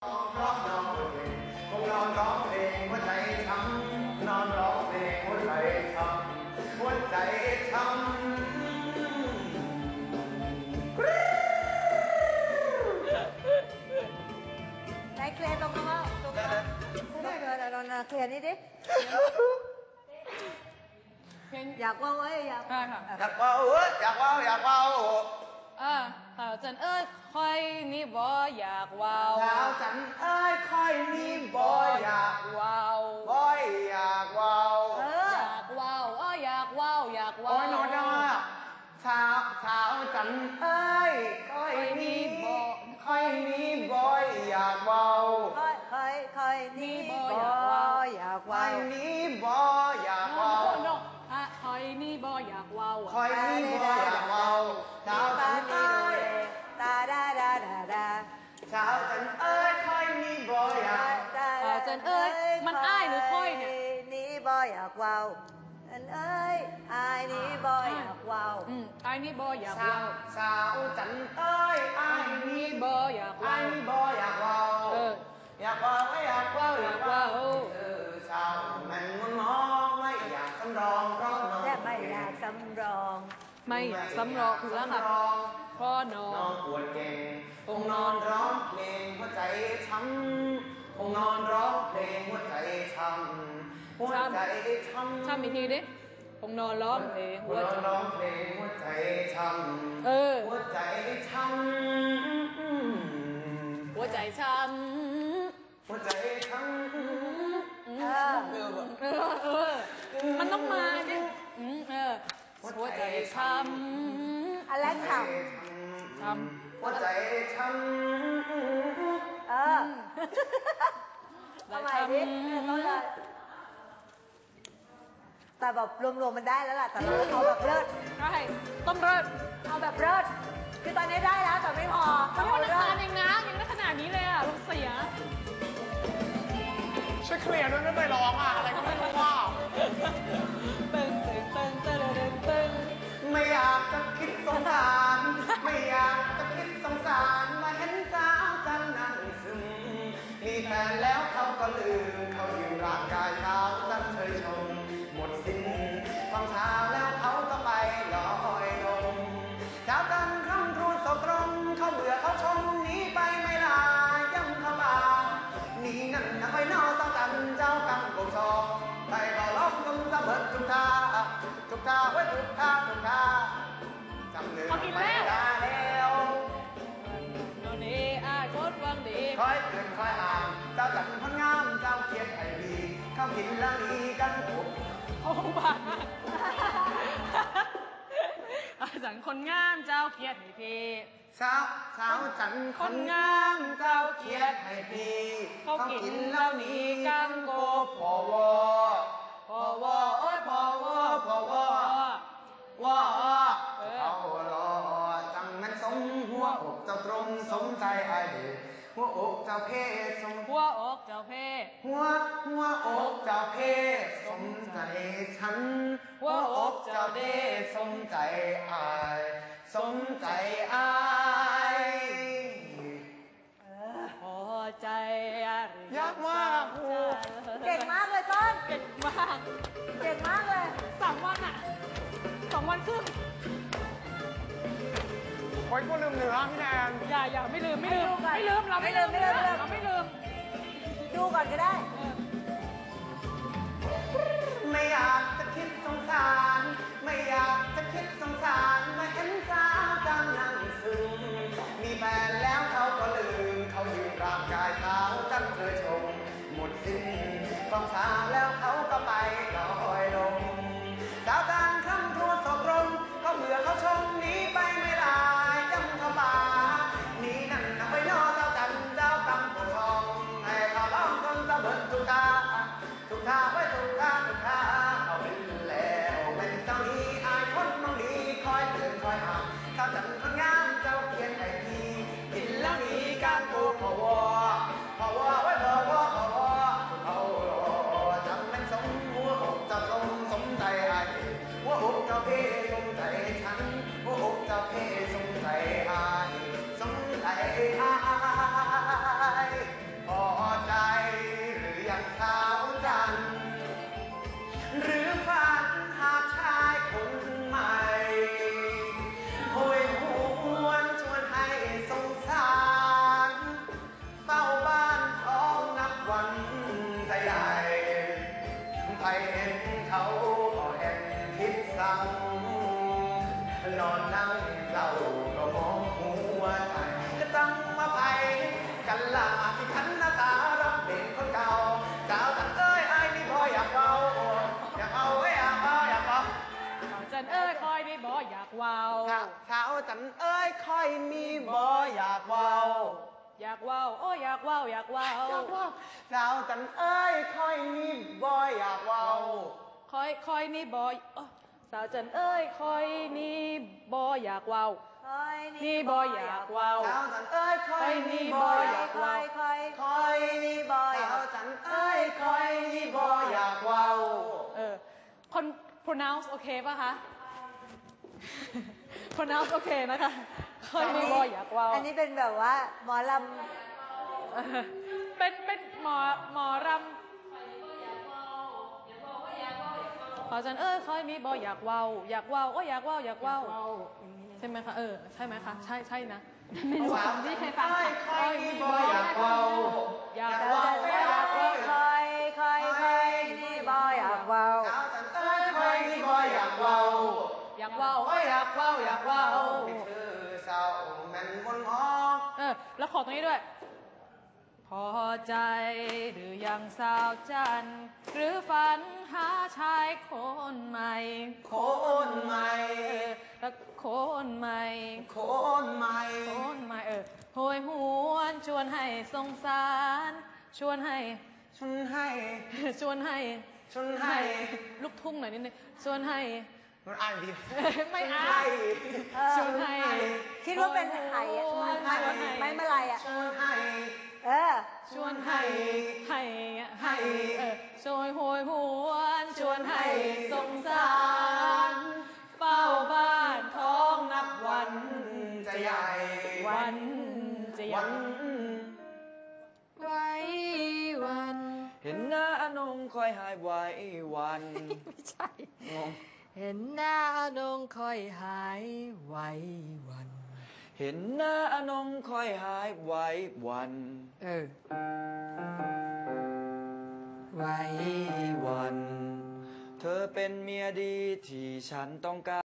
ร้องน้องเพลงคงนอนร้องเพลงหัวใจช้ำนอนร้องเพลงหัวใจช้ำหัวใจช้ำไหนเคลียร์ตรงนั้นว่าตรงนั้นเราเคลียร์นี่ดิอยากว่าไว้อยากได้ค่ะอยากเว้าอยากเว้าอยากเว้าจันเอ้ยคอยนี่บ่อยากว้าวสาวจันเอ้ยค่อยนี่บ่อยากว้าวบ่อยากเว้าอยากว้าวอยากว้าวอยากว้าโอ้วยโนดาสาวจันเอ้ยค่อยนี่บ่ค่อยนี่บ่อยากเว้าค่อยนี่บ่อยากค่ว่าอยนี่บ่อยากเว้าคอยนี่บ่อยากว้าวค่อยนี่บ่อยากเว้าสาวจันเอ้ยตาดาดาดาดาสาวจันเอ้ยค่อยนี่บ่อยากจันเอ้ยมันอ้ายหรือค่อยเนี่ยนี่บ่อยากว้าวจันเอ้ยอายนี่บ่อยากว้าวไอ้นี่บ่อยากสาว้าว วสาวจันเอ้ยอ้ายนี่บ่อยากอ้าว้ายว นี่บ่อยากเว้า อยากเว้าอยากเว้าอยากเว้าสาวมันมันมองไม่อยากสำรองเพราะน้องและไม่อยากสำรองไม่อยากสำรองคือแล้วค่ะพ่อน้อน้องงปวดเก่งคงนอนร้องเพลงหัวใจช้ำคงนอนร้องเพลงหัวใจช้ำหัวใจช้ำช้ำอีกทีดิคงนอนร้องเพลงหัวใจร้องเพลงหัวใจช้ำหัวใจช้ำหัวใจช้ำหัวใจช้ำมันต้องมาดิหัวใจช้ำอะไรขช้ำหัวใจช้ำำทำไมดิต้องเลยแต่แบบรวมๆมันได้แล้วล่ะแต่เราเอาแบบเลิศใช่ต้องเริ่มเอาแบบเลิศคือตอนนี้ได้แล้วแต่ไม่พอทั้งเอาวันเลิอังคารศเองนะยังได้ขนาดนี้เลยอ่ะลงเสียช่วยเคลียร์ด้วยไม่ไปร้องอ่ะอะไรก็ไม่รู้ว่าตึงตึงตึงตึงตึงตึงไม่อยากจะคิดสงสารไม่อยากจะคิดสงสารมาเห็นสาวจันนั่งซึมมีแฟนแล้วเขาก็ลืมเขายืมร่างกายเขาจันเคยชมหมดสิ้นความเช้าแล้วเขาก็ไปลอยลมเช้ากันคำครูสกรมเขาเบื่อเขาชมหนีไปไม่ลาย้ำเข้ามาหนีนั่นนะไปนอกต้องกันเจ้ากำกงซองไปก็ล้อมกำสะเบิดทุกท่าทุกท่าไว้ทุกท่าทุกท่าจำเนื้อไม่ได้แล้วโนนี่อาโคตรวังดีคอยเตือนคอยอ่านเจ้าจัดคนงามเจ้าเขียนให้ดีเข้ากินแล้วดีกันผมโอ้บาอาจันคนงามเจ้าเกียรติให้พี่สาวจันคนงามเจ้าเขียนให้พี่เขากินแล้วนี้กันโกพอวอพอวอโอ้ยพอวอพอวอวอเขารอจังมันสมหัวอกเจ้าตรงสมใจไอ้หัวอกเจ้าเพศสมหัวอกเจ้าเพศหัวอกเจ้าเพศสมใจฉันหัวอกเจ้าเดสมใจอายสมใจอายพอใจอะไรยากมากครูเก่งมากเลยต้นเก่งมากเก่งมากเลย 3 วันอ่ะ2 วันครึ่งโอ้ยกูลืมเนื้อพี่แนนอย่าไม่ลืมเราไม่ลืมดูก่อนก็ได้ไม่อยากจะคิดสงสารไม่อยากจะคิดสงสารมาเห็นสาวจังนั่งซึมมีแฟนแล้วเขาก็ลืมเขายืมร่างกายเขาจังเคยชมหมดสิ้นความสาวแล้วเขาก็ไปลอยลมสาวการคำทูตตกลงเขาเบื่อเขาชมหนีไปไม่ลายจำเขาป่าหนีนั่นนะไปนอเจ้าจันเจ้ากำผู้ทองให้เขาล้อมกันตะเบิดทุกตาทุกท่าไว้ทุกท่าทุกท่าเอาเป็นแล้วเป็นเจ้านี้อายคนมองดีคอยเตือนคอยห้ามเจ้าจันคนงามเจ้าเขียนให้ดีกินแล้วนี้การโกพอวอไว้พอวอพอวอจันเอ้ยค่อยมีบ่อยากเว้าอยากว่าวโอ้อยากว่าวอยากว่าวอยากเว้าสาวจันเอ้ยค่อยมีบ่อยากเว้าคอยนี่บอยสาวจันเอ้ยคอยนี่บอยอยากว่าวคอยนี่บ่อยากว่าวสาวจันเอ้ยค่อยมีบ่อยากคเว้าอยคอยค่อยมีบ่อยากจันเอ้ยค่อยมีบ่อยากเว้าคน pronounce โอเคป่ะคะ pronounce โอเคนะคะคอยนี่บอยอยากว่าวอันนี้เป็นแบบว่าหมอลเป็นหมอรำขอจันเอ้ยคอยมีบอยอยากว่าวอยากว่าวอยากว่าวอยากว่าวใช่ไหมคะใช่ไหมคะใช่นะไม่รู้ที่ใครฟังค่ะค่อยมีบ่อยากเว้าอยากำว่าวคอยคอยนี่บอยอยากเว้าสาวจันเอ้ยค่อยมีบ่อยากเว้าอยากว่าวอยากว่าวอยากว่าวให้เธอเศร้าแม่นบนหอแล้วขอตรงนี้ด้วย พอใจหรือยังสาวจันทร์หรือฝันหาชายคนใหม่โคนใหม่แล้วคนใหม่โคนใหม่คนใหม่โหยหวนชวนให้สงสาร ชวนให้ฉันให้ชวนให้ฉันให้ลูกทุ่งหน่อยนิดนึงชวนให้มันอ่านดีไม่อ่าให้ชวนให้คิดว่าเป็นไห่อะไม้มะลายอะฉันให้ชวนให้ชวนโหยหวนชวนให้สงสารเฝ้าบ้านท้องนับวันจะใหญ่วันจะยัวันไว้วันเห็นหน้าอนงคอยหายไว้วันไม่ใช่งงเห็นหน้าอนงคอยหายไว้วันเห็นหน้าอนงคอยหายไว้วันไว้วัน เธอเป็นเมียดีที่ฉันต้องการ